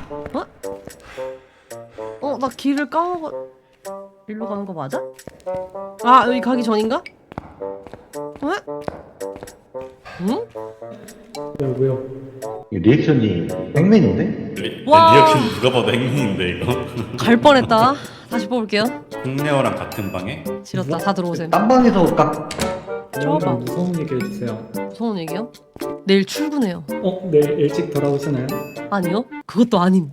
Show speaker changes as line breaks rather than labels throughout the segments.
어? 나 길을 까먹어. 일로 가는 거 맞아? 아, 여기 가기 전인가? 어? 응?
왜요? 이 리액션이 땡맨인데?
와.
리액션 누가 봐도 행운인데 이거.
갈 뻔했다. 다시 뽑을게요.
홍레어랑 같은 방에?
지렸다. 다 들어오셈.
딴 방에서 깍.
줘봐.
무서운 얘기 해주세요.
무서운 얘기요? 내일 출근해요.
내일 일찍 돌아오시나요?
아니요? 그것도 아님.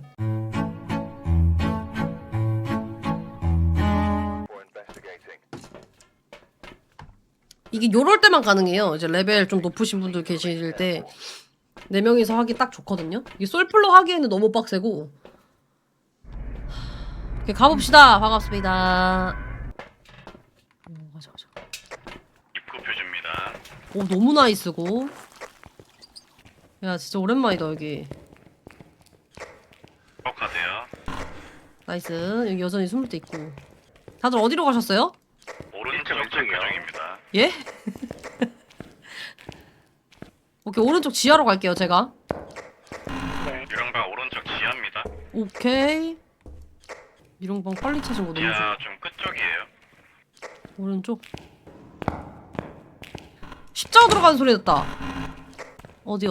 이게 요럴 때만 가능해요. 이제 레벨 좀 높으신 분들 계실 때 4명이서 하기 딱 좋거든요. 이게 솔플로 하기에는 너무 빡세고. 오케이, 가봅시다. 반갑습니다. 가자.
입구 표줍니다.
오, 너무 나이스고. 야, 진짜 오랜만이다 여기.
가세요.
나이스. 여기 여전히 숨을 때 있고. 다들 어디로 가셨어요?
오른쪽 왼쪽입니다.
예? 오케이, 오른쪽 지하로 갈게요 제가.
유령방 오른쪽 지하입니다.
오케이. 미롱방 빨리 찾은 거 너무 좋아.
지하 좀 끝쪽이에요.
오른쪽. 십자가 들어가는 소리 났다. 어디?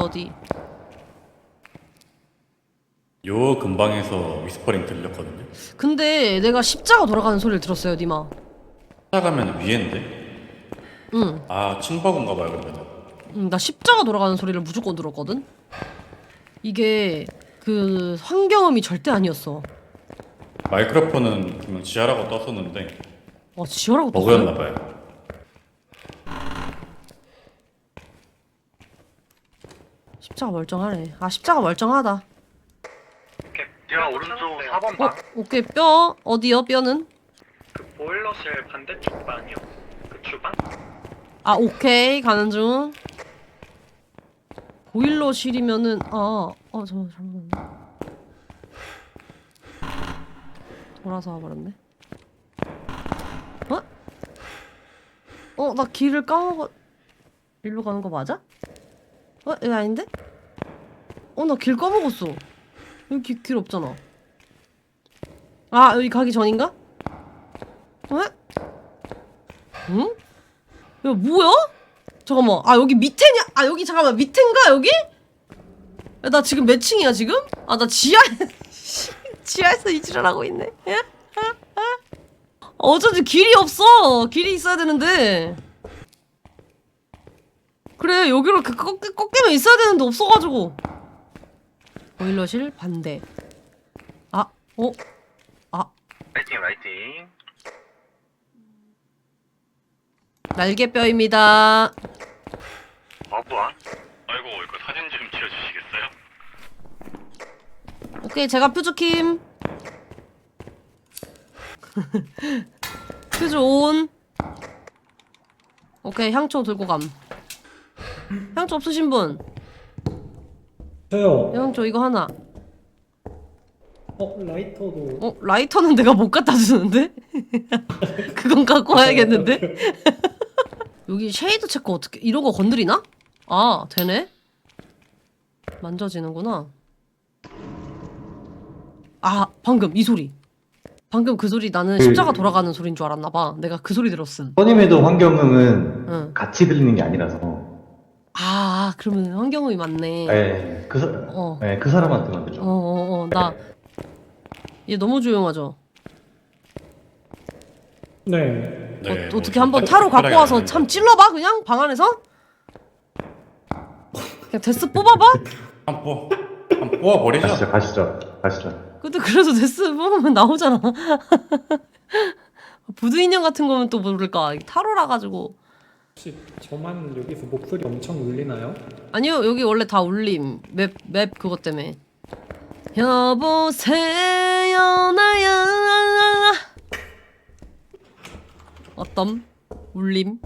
요 근방에서 위스퍼링 들렸거든요.
근데 내가 십자가 돌아가는 소리를 들었어요, 니마.
찾아가면 위엔데.
응.
아 층버그인가 봐요 그러면.
나 십자가 돌아가는 소리를 무조건 들었거든. 이게 그 환경음이 절대 아니었어.
마이크로폰은 분명 지하라고 떴었는데
지하라고
버그였나
떴어요?
봐요.
십자가 멀쩡하네. 십자가 멀쩡하다.
지하 오른쪽 4번 방.
오케이, 뼈. 어디요, 뼈는?
그 보일러실 반대쪽 방이요. 그 주방?
오케이. 가는 중. 보일러실이면은, 잘못했네. 돌아서 와버렸네. 나 길을 까먹어. 일로 가는 거 맞아? 여기 아닌데? 나 길 까먹었어. 여기 길 없잖아. 여기 가기 전인가? 응? 야, 뭐야? 잠깐만. 여기 밑에냐? 여기 잠깐만. 밑인가 여기? 야, 나 지금 몇 층이야 지금? 나 지하에서 이지랄 하고 있네. 어쩐지 길이 없어. 길이 있어야 되는데. 그래, 여기로 꺾이면 있어야 되는데 없어가지고. 보일러실 반대.
라이팅.
날개뼈입니다.
어부안?
아이고 이거 사진 좀 지어주시겠어요?
오케이, 제가 퓨즈킴. 퓨즈 온. 오케이, 향초 들고 감. 향초 없으신 분?
저요.
향초 이거 하나.
라이터도.
라이터는 내가 못 갖다 주는데? 그건 갖고 와야겠는데? 여기 쉐이드 체크 어떻게, 이런 거 건드리나? 되네? 만져지는구나. 방금 이 소리. 방금 그 소리 나는 십자가 돌아가는 소리인 줄 알았나봐. 내가 그 소리 들었음.
선임에도 환경음은
응.
같이 들리는 게 아니라서.
그러면 환경음이 맞네.
네, 그 사람한테 만들죠.
얘 너무 조용하죠?
네.
네.
어떻게 한번 타로 갖고 와서 참 찔러봐 그냥? 방 안에서? 그냥 데스 뽑아봐?
한번 뽑아버리죠.
가시죠.
근데 그래도 데스 뽑으면 나오잖아. 부두 인형 같은 거면 또 모를까. 타로라 가지고.
혹시 저만 여기서 목소리 엄청 울리나요?
아니요, 여기 원래 다 울림. 맵 그것 때문에. 여보세요 나야. 어떤 울림?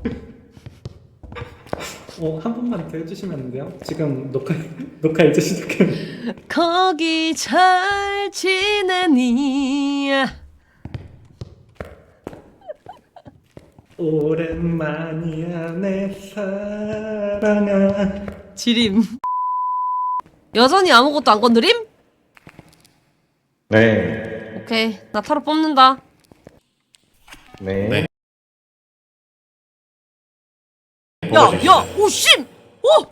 한 번만 더 해주시면 안 돼요? 지금 녹화 이제 시작했는데.
거기 잘 지내니?
오랜만이야 내 사랑아.
지림. 여전히 아무것도 안 건드림?
네.
오케이. 나 타로 뽑는다.
네.
네.
야,
뽑아주시죠.
야, 오, 씨! 오!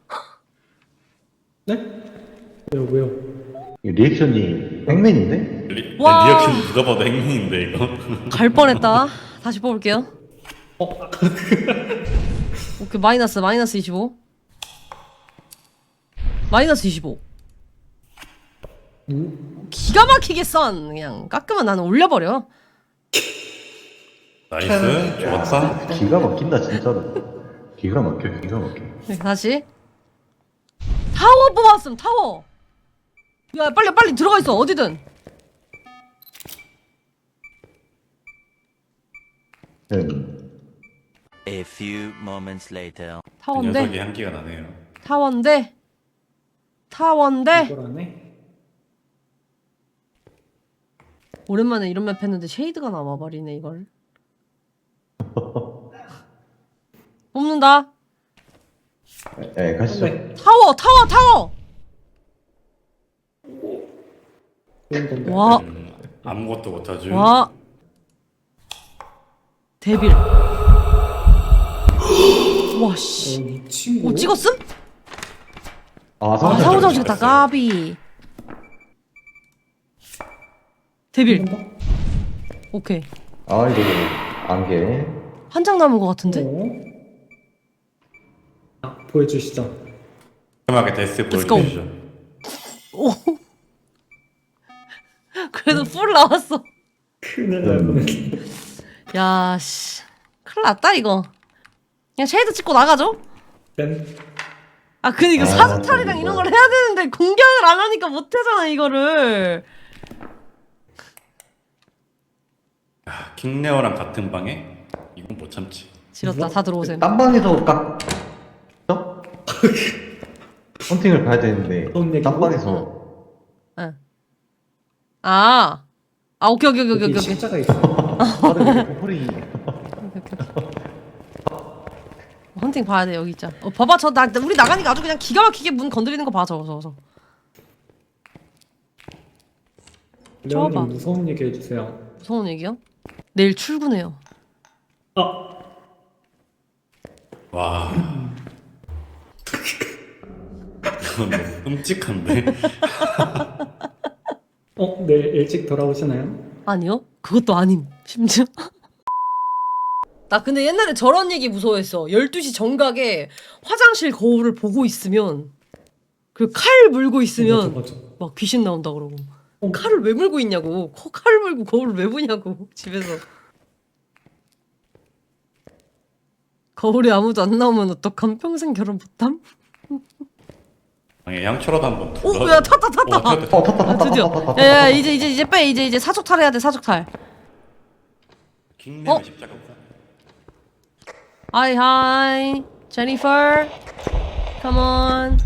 네? 왜요?
이 리액션이 행맨인데?
와.
리액션 누가 봐도 행운인데 이거.
갈 뻔했다. 다시 뽑을게요.
어?
오케이, 마이너스 25. 마이너스 25. 기가 막히게 썬. 그냥 깎으면 나는 올려버려.
나이스. 좋았다.
기가 막힌다 진짜로. 기가 막혀 기가 막혀.
네, 다시. 타워 뽑았음, 타워. 야, 빨리 들어가 있어, 어디든.
A few moments later.
그
타워인데,
녀석이 향기가 나네요.
타워인데,
이걸 안 해?
오랜만에 이런 맵 했는데 쉐이드가 남아버리네, 이걸. 뽑는다.
네 가시죠.
네.
타워.
그런 건데.
와,
아무것도 못하죠.
와. 데빌. 와, 씨.
이 친구?
오, 찍었음?
아
아,
상호장.
사고장 찍었다, 까비. 데빌. 오케이.
아 이거 안개.
한 장 남은 것 같은데?
아, 보여주시죠.
깔끔하게 데스
Let's go.
보여주시죠.
오. 그래도 풀 나왔어.
큰일 날 뻔했네.
야, 씨. 큰일 났다, 이거. 그냥 쉐이드 찍고 나가죠?
땐
아, 근데 이거
아,
사주탈이랑 이런 걸 해야 되는데 공격을 안 하니까 못 하잖아, 이거를.
아, 킹레어랑 같은 방에 이건 못 참지.
지렸다, 다 들어오셈.
딴 방에서 깎. 어? 헌팅을 가야 되는데
어떤 얘기고?
딴 방에서
응. 아. 아, 오케이.
여기 십자가 있어.
허리.
헌팅 봐야 돼, 여기 있자. 봐봐, 우리 나가니까 아주 그냥 기가 막히게 문 건드리는 거 봐, 저거. 좋아봐.
레오님 무서운 얘기 해주세요.
무서운 얘기요? 내일 출근해요.
아,
와. 이건 너무 끔찍한데.
내일 일찍 돌아오시나요?
아니요? 그것도 아님, 심지어. 나 근데 옛날에 저런 얘기 무서워했어. 12시 정각에 화장실 거울을 보고 있으면 그 칼 물고 있으면
맞아.
막 귀신 나온다 그러고.
어.
칼을 왜 물고 있냐고. 칼을 물고 거울을 왜 보냐고. 집에서. 거울에 아무도 안 나오면 어떡함? 평생 결혼 못함?
방에 향초라도 한번
오,
둘러.
야, 탔다.
탔다.
아, 드디어. 야, 이제 빼. 이제 사족탈 해야 돼, 사족탈.
킹레어
어?
십자가.
Hi, Jennifer. Come on.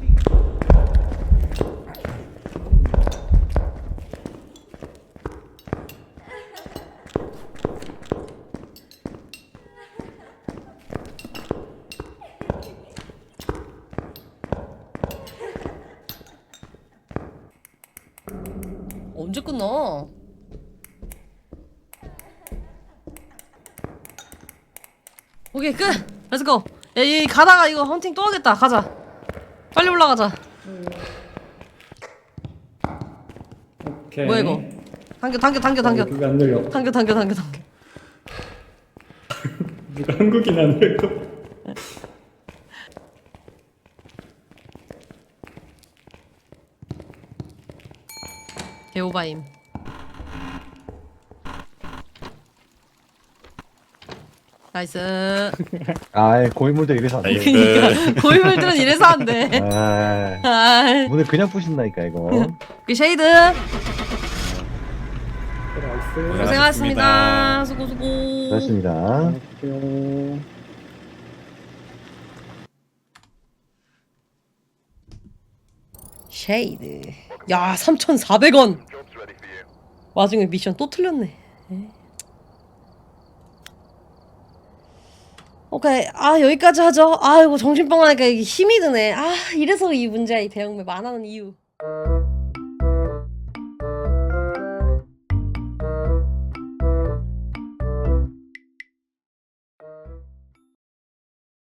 언제 끝나? 오케이, 끝! 렛츠고! 야, 이 가다가 이거 헌팅 또 하겠다. 가자. 빨리 올라가자.
오케이.
뭐야, 이거? 당겨.
누가 안 늘려.
당겨.
누가 한국인 안 늘려.
개오바임. 나이스.
아 고인물들 이래서 안 돼.
나이스.
고인물들은 이래서 안 돼.
아
아,
문을 그냥 부신다니까 이거.
그 쉐이드.
나이스.
고생하셨습니다. 수고.
고맙습니다.
안녕하세요.
쉐이드. 야, 3,400원. 와중에 미션 또 틀렸네. 오케이. 아, 여기까지 하죠. 아이고, 정신병 하니까 이게 힘이 드네. 아, 이래서 이 문제야, 이 대형맵 안 하는 이유.